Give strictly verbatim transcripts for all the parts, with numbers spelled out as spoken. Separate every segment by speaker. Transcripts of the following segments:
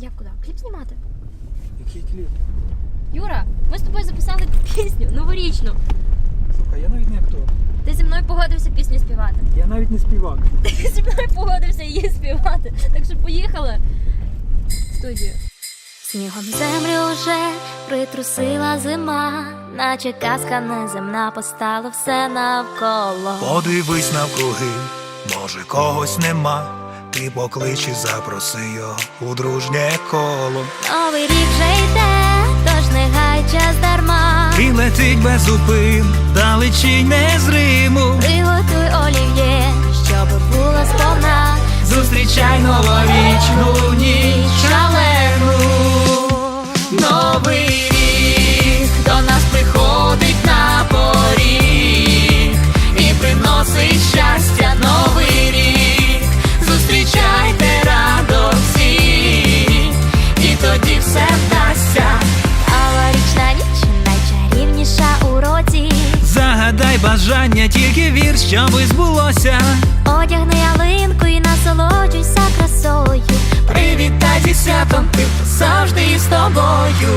Speaker 1: Як куди? Кліп знімати?
Speaker 2: Який кліп?
Speaker 1: Юра, ми з тобою записали пісню новорічну.
Speaker 2: Слухай, я навіть не актор.
Speaker 1: Ти зі мною погодився пісню співати.
Speaker 2: Я навіть не співак.
Speaker 1: Ти зі мною погодився її співати. Так що поїхали в студію. Снігом землю вже притрусила зима, наче казка неземна, постало все навколо.
Speaker 3: Подивись навкруги, може когось нема. Ти поклич і запроси його у дружнє коло.
Speaker 1: Новий рік вже йде, тож не гай час дарма.
Speaker 3: І летить без зупин, далечінь незриму.
Speaker 1: Приготуй олів'є, щоб було сповна.
Speaker 3: Зустрічай новорічну ніч шалену. Новий рік до нас приходить на поріг і приносить щастя новий рік. Зустрічайте радості, і тоді все вдасться.
Speaker 1: Новорічна ніч найчарівніша у році.
Speaker 3: Загадай бажання, тільки вір, щоби збулося.
Speaker 1: Одягни ялинку і насолоджуйся красою.
Speaker 3: Привітай зі святом тих, хто завжди із тобою.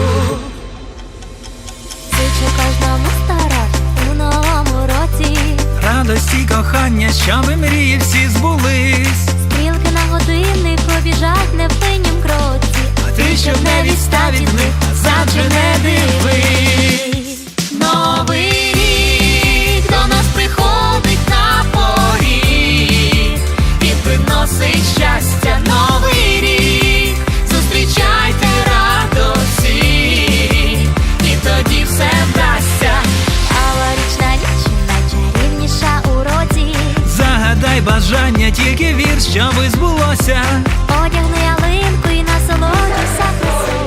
Speaker 1: Зичу кожному старати у новому році.
Speaker 3: Радості, кохання, щоби мрії всі збулись.
Speaker 1: Стрілки на годинник побіжать невпиннім кроці.
Speaker 3: А ти, щоб не відстав від них, назад же не дивись. Новий рік до нас приходить на поріг і приносить щастя новий рік. Зустрічайте радості, і тоді все вдасться.
Speaker 1: Новорічна ніч найчарівніша у році.
Speaker 3: Загадай бажання, тільки вір, щоби збулося.
Speaker 1: Одягни ялинку і насолоджуйся красою.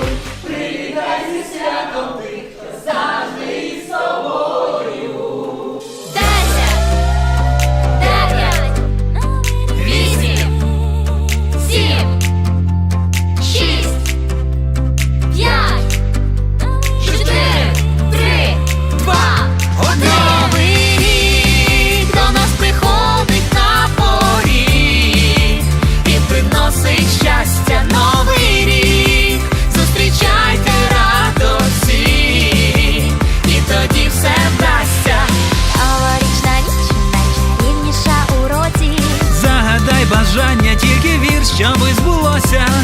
Speaker 1: Десять, дев'ять, вісім, сім, шість, п'ять, чотири, три, два, один.
Speaker 3: Новий рік до нас приходить на поріг і приносить щастя новий рік. Зустрічайте радості, і тоді все вдасться.
Speaker 1: Новорічна ніч найчарівніша у році.
Speaker 3: Загадай бажання, тільки вір, щоби збулося.